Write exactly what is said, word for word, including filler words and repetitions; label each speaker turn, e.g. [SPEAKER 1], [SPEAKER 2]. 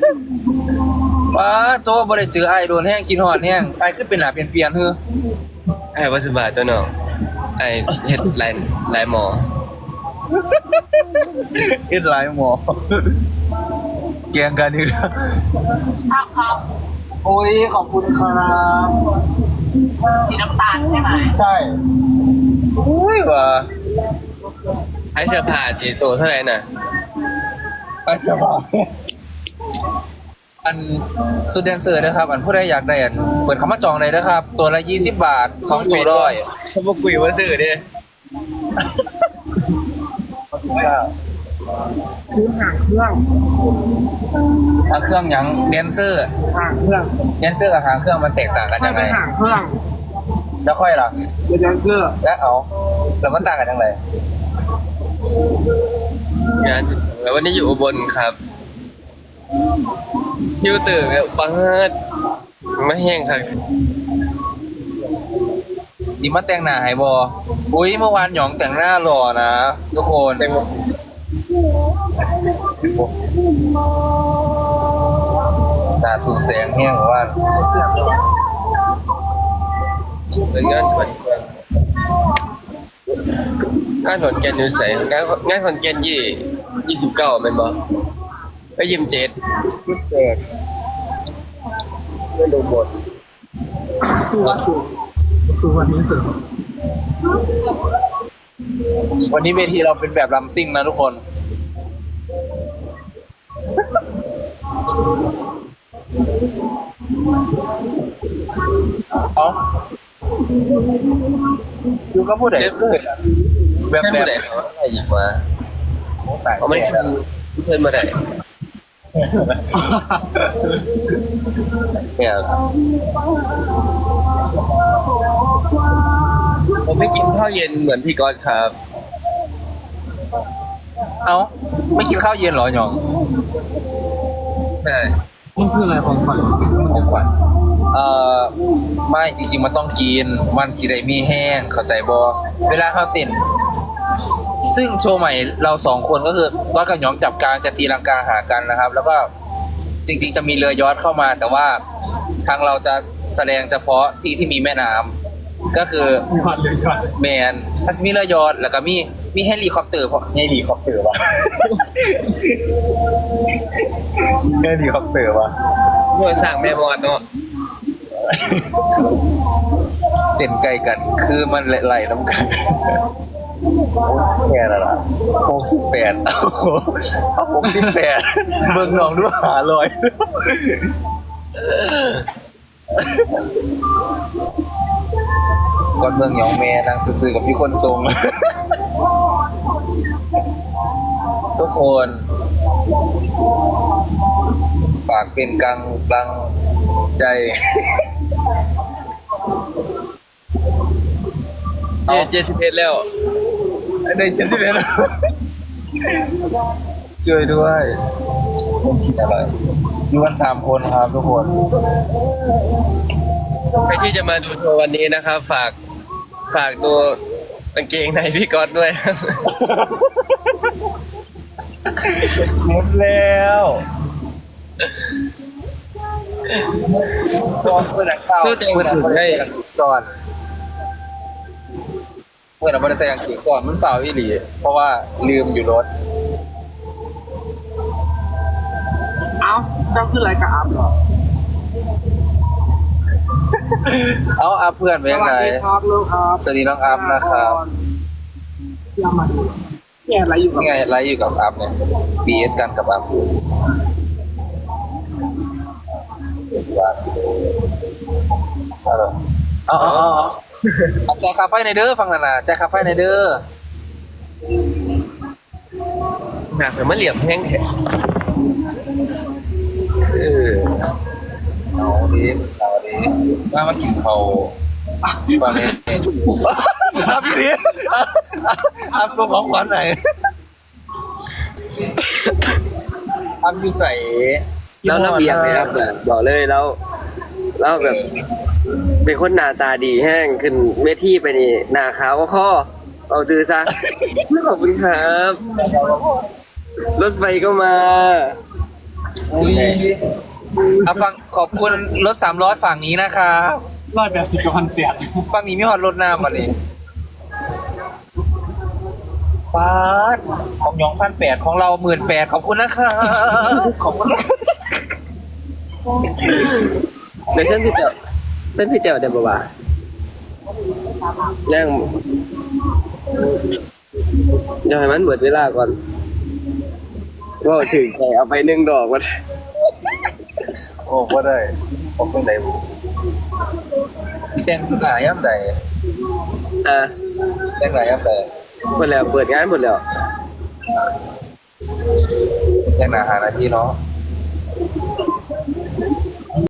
[SPEAKER 1] ว้าโจ้บ่ได้เจอไอ้โดนแห้งกินหอดแห้งไอ้ขึ้นเป็นหนาเปลี่ยนเปลี่ยนเฮ้อ
[SPEAKER 2] ไอ้วัสบาตัวเนาะไอ้เฮ็ดลายลายหมอ
[SPEAKER 1] เอ็ดหลายหมอแกงกันนี่นะ
[SPEAKER 3] ครับครับ
[SPEAKER 1] โอ้ยขอบคุณครับ
[SPEAKER 3] สีน้ำตาลใช่ไหม
[SPEAKER 1] ใช่อุ้ยว่ะ
[SPEAKER 2] ไอ้เสื้อผ้าจีโตเท่าไหร่น่ะ
[SPEAKER 1] ไปสบายอันสุดแดนเซอร์นะครับ อันผู้ใดอยากได้อันเปิดคำว่าจองเลยนะครับ ตัวละยี่สิบบาทสองตัวร้อย
[SPEAKER 2] เขาบอกกุยว่าซื้อดิ
[SPEAKER 3] คือห่างเครื่อง
[SPEAKER 1] ทางเครื่องหยังแดนเซอร์
[SPEAKER 3] ห่างเครื่อง
[SPEAKER 1] แดนเซอร์กับหางเครื่องมันแตกต่างกัน
[SPEAKER 3] ไม่
[SPEAKER 1] ยังไง
[SPEAKER 3] เป็นห่างเครื่อง
[SPEAKER 1] แล้วค่อยล่ะ
[SPEAKER 3] เป็นยังเกอร์
[SPEAKER 1] แล้วเอาแล้วมันต่างกันยังไง
[SPEAKER 2] งานแล้ววันนี้อยู่อุบลครับอยู่ตื่นแบบบังเอิญไม่แห้งครับ
[SPEAKER 1] สิมาแต่งหน้าให้บออุ้ยเมื่อวานหยองแต่งหน้าหล่อนะทุกคน
[SPEAKER 2] แต่ง
[SPEAKER 1] ตาสูแสงแห้งว่า
[SPEAKER 2] เป็นงานสวนงานขอนแก่นอยู่ใส่งานงานขอนแก่นยี่ยี่สิบเก้าเป็นบ่ไปยิมเจ็ด
[SPEAKER 1] เกิด
[SPEAKER 2] ไม่ดูบท
[SPEAKER 3] คือว่าคือคือวันนี้สุด
[SPEAKER 1] วันนี้เวทีเราเป็นแบบลำซิ่งนะทุกคนเอาอยู่ก็พูดได้เลยแบบ
[SPEAKER 2] ไม่
[SPEAKER 1] แบ
[SPEAKER 2] มา
[SPEAKER 1] บ
[SPEAKER 2] ได้เขาให้หยิบมา
[SPEAKER 1] ตาย
[SPEAKER 2] เขาไม่คือเพื่อนมาได้
[SPEAKER 1] เนี่ย
[SPEAKER 2] ผมไม่กินข้าวเย็นเหมือนพี่ก๊อตครับ
[SPEAKER 1] เอาไม่กินข้าวเย็นเหรอหยอง
[SPEAKER 2] ใช่
[SPEAKER 3] มันคืออะไรของขวัญมันของขวัญ
[SPEAKER 1] เอ่อไม่จริงๆมันต้องกินมันสิได้มีแห้งเข้าใจบอเวลาเข้าเต้นซึ่งโชว์ใหม่เราสองคนก็คือก้อยกับหยองจับกลางจะตีลังกาหากันนะครับ แล้วก็จริงๆจะมีเรือยอชต์เข้ามา แต่ว่าทางเราจะแสดงเฉพาะที่ที่มีแม่น้ำก็คือ
[SPEAKER 3] มีความเดือดร้อน
[SPEAKER 1] แมนถ้ามีเรือยอชต์แล้วก็มีมีเฮลิคอปเตอร์เพราะเฮลิคอปเตอร์วะ เฮลิคอปเตอร์วะ
[SPEAKER 2] เมื่อสั่งแม่มอดเนาะ
[SPEAKER 1] เต้นไกลกันคือมันไหลๆน้ำกันแค่นั้นล่ะหกสิบแปดเอาหกสิบแปดเบิ่งน้องด้วยหาลอยก่อนเมืองหยองแม่นางซื่อๆกับพี่คนทรง ทุกคนฝากเป็นกลางกลางใจ
[SPEAKER 2] เจ็ดเจ็ดสิบเอ็ดแล้ว
[SPEAKER 1] ในเจ็ดสิบเอ็ดช่วยด้วยผมคิดอะไรอยู่กันสามคนครับทุกคน
[SPEAKER 2] ใครที่จะมาดูโชว์วันนี้นะครับ ฝากฝากดูกางเกงในพี่ก๊อตด้วย
[SPEAKER 1] หมดแล้วตอนเพื่อนเข้า
[SPEAKER 2] เพื่อแต่ง
[SPEAKER 1] เพื่อน
[SPEAKER 2] ถึง
[SPEAKER 1] เอาไป
[SPEAKER 2] ได้
[SPEAKER 1] ใส่อังกฤษก่อนเพื่อนเอาไปใส่อังกฤษก่อนมันเปล่าอีหลีเพราะว่าลืมอยู่รถ
[SPEAKER 3] เอ้าเจ้าคืออะไรกับอัพเหรอ
[SPEAKER 1] เอาอัพเพื่อนไป
[SPEAKER 3] ส
[SPEAKER 1] ยัง
[SPEAKER 3] วัส
[SPEAKER 1] ไง
[SPEAKER 3] ดีครับลูกครับ
[SPEAKER 1] สวัสดีน้องอัพนะครับ
[SPEAKER 3] ยามาดูเนี่ยอะไรอยู่กับ
[SPEAKER 1] นี่ไงไลฟ์อยู่กับอัพเนี่ย บี เอส กันกับอัพเอาเอาเอาเอาเอาแจกคาไฟในเด้อฟังนานาแจกคาไฟในเด้อ
[SPEAKER 2] หนักแต่มันเหลี่ยมแห้งแท้
[SPEAKER 1] เออเอาดิเอาดิมามากินเขาฟังนี้อัพพี่ดิอัพส่งของขวัญไหนอัพอยู่ใส่
[SPEAKER 2] แล้วระเบียบเลยครับบอกเลยแล้วแล้วแบบเป็นคนหน้าตาดีแห้งขึ้นเวทีไปนี่หน้าขาวก็ข้อเอาจือซะ ขอบคุณครับ รถไฟก็มา
[SPEAKER 1] อุ้ยเอาฟังขอบคุณรถสามล้อฝั่งนี้นะครับ
[SPEAKER 3] ร้อยแปดสิบกับพันแปด
[SPEAKER 1] ฝั่งนี้มีหอดรถน้ำมาเลยปาดของหยองพันแปดของเราหมื่นแปดขอบคุณนะครับขอบคุณ
[SPEAKER 2] เดี๋ยวเส้นพี่เต๋อเส้นพี่เต๋อเดี๋ยวบอกว่านั่งเดี๋ยวให้มันเบิดเวลาก่อนก็ถึงใจเอาไปหนึ่งดอกมัน
[SPEAKER 1] โอ้ก็ได้ขอบคุณได้บุแต่งหลายย่ำใด
[SPEAKER 2] อ่ะ
[SPEAKER 1] แต่งหลายย่ำใด
[SPEAKER 2] หมดแล้วเปิดงานหมดแล้ว
[SPEAKER 1] แต่งหนาหานาทีเนาะ